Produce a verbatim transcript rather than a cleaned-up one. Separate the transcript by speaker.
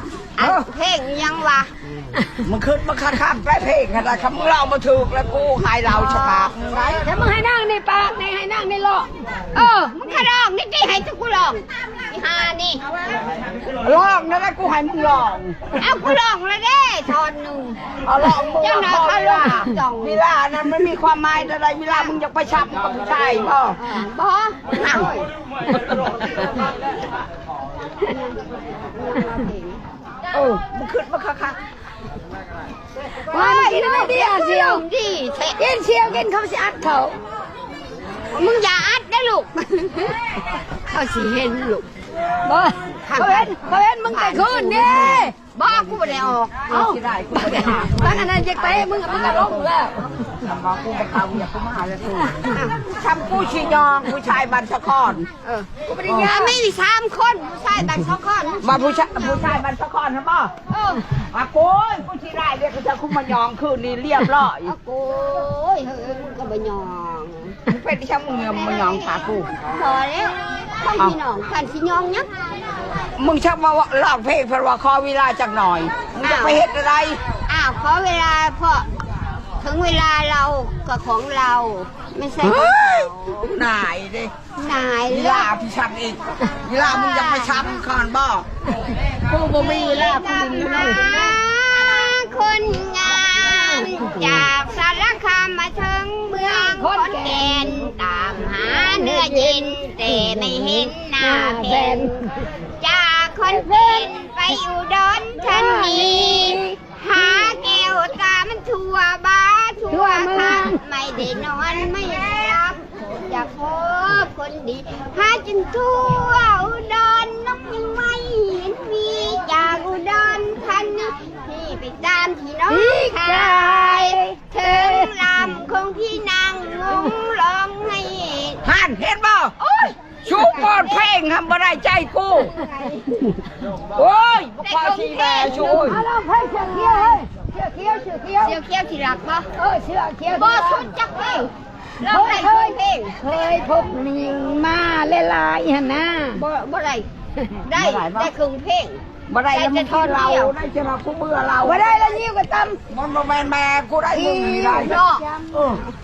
Speaker 1: เพลงยังวะ
Speaker 2: มันขึ้นมาคัดข้ามไปเพลงอะไรคำเรามาถูกแล้วกูหายเราฉลาดไง
Speaker 3: แต่มึงให้นั่งในปากในให้นั่งในหลอกเออมึงขร้องนี่ดิให้ทุกกูลองอีฮานี่
Speaker 2: ลองนั่นแหละกูให้มึงลอง
Speaker 3: เอากูลองเลยเด้ทอนหนึ่ง
Speaker 2: เอาลองมึง
Speaker 3: เจ้าหน้าเขาลองจ่อง
Speaker 2: เวลานั้นมันมีความหมายอะไรเวลามึงอยากไปชับกับผู้ชายป่ะ
Speaker 3: บ่
Speaker 2: เออมึงขึ้นมาคัก
Speaker 3: ว่ามึงกินไม่ดีเชียวดีกินเชียวกินเขาสิอัดเขามึงอย่าอัดนะลูกเขาสิเห็นลูกบ่เขาเห็นเขาเห็นมึงไปคืนนี่บ่กูไม่ได้ออก
Speaker 2: ๆเอาที่ได้กูไม่ได้หา
Speaker 3: บ้านอันนั้นจะไปมึงมึงก็ร้องแล้ว
Speaker 2: ทำมากูไปเขาอย่ากูมาเลยกูทำกูชียองผู้ชายบันสะคอน
Speaker 3: เออกูไม่ได้ยาไม่มีสามคนผู้ชายแต่สองคน
Speaker 2: มาผู้ชายผู้ชายบันสะคอนนะป่ะ
Speaker 3: เออ
Speaker 2: มาโก้ยผู้ชีได้เรียกกูจะคุมายองคืนนี้เรียบร้อย
Speaker 3: เอาโก้ยเฮ้ยมึงก็ไปยอง
Speaker 2: มึงเป็นที่ช่างมึงเงินมายองขากู
Speaker 3: พอแล้วท่านพี่น้องท่านพี่ยองยัก
Speaker 2: มึงชักมาลองเพลงเพราะว่าคอเวลาจักหน่อยมึงจะไปเฮ็ดอะไร
Speaker 3: อ้าวขอเวลาเพราะถึงเวลาเรากับของเราไม่ใช่ของ
Speaker 2: เฮ้ย
Speaker 3: เขา
Speaker 2: นายดิ
Speaker 3: นาย
Speaker 2: เว
Speaker 3: เลือ
Speaker 2: ลาก พี่ช้ำอีกเวลามึงยังไปช้ำคอนบ่กูบ่มีเวลากูดินเลย
Speaker 3: คนงามจากสารคามมาถึงเมืองขอนแก่นตามหาเนื้อเย็นแต่ไม่เห็นหน้าเพนจากคอนแก่นไปอยู่ดอนทันนีหาแก้วตามันทั่วบ้านทั่วคันไม่ได้นอนไม่ได้รับอยากพบคนดีหาจนทั่วอุดรน้องยังไม่เห็นมีจากอุดรทันนีพี่ไปตามที่น้องชายถึงลำของพี่นางงงร้องให้
Speaker 2: หันเห็นบ่โอ้ยชูปอดเพลงทำบ่ได้ใจกูโอ้ยบ่พอทีแม่ชูย
Speaker 3: เอาเราให้เชือกเขียวเฮ้ยเชือกเขียวเชือกเขียวเชือกเขียวที่รักบ่เออเชือกเขียวบ่ชุดจักเพลงเราได้เคยเพลงเคยพบหญิงมาหลายๆหั่นนะบ่บ่ได้ได้ได้ครึ่งเพลง
Speaker 2: บ่ได้แล้วมันทอดเราได้จะเรากูเบื่อเรา
Speaker 3: บ่ได้แล้วยิ้วก็ตำ
Speaker 2: มันบ่แม่นแม่กูได้มึงนี่ได้
Speaker 3: เนาะ
Speaker 2: เออ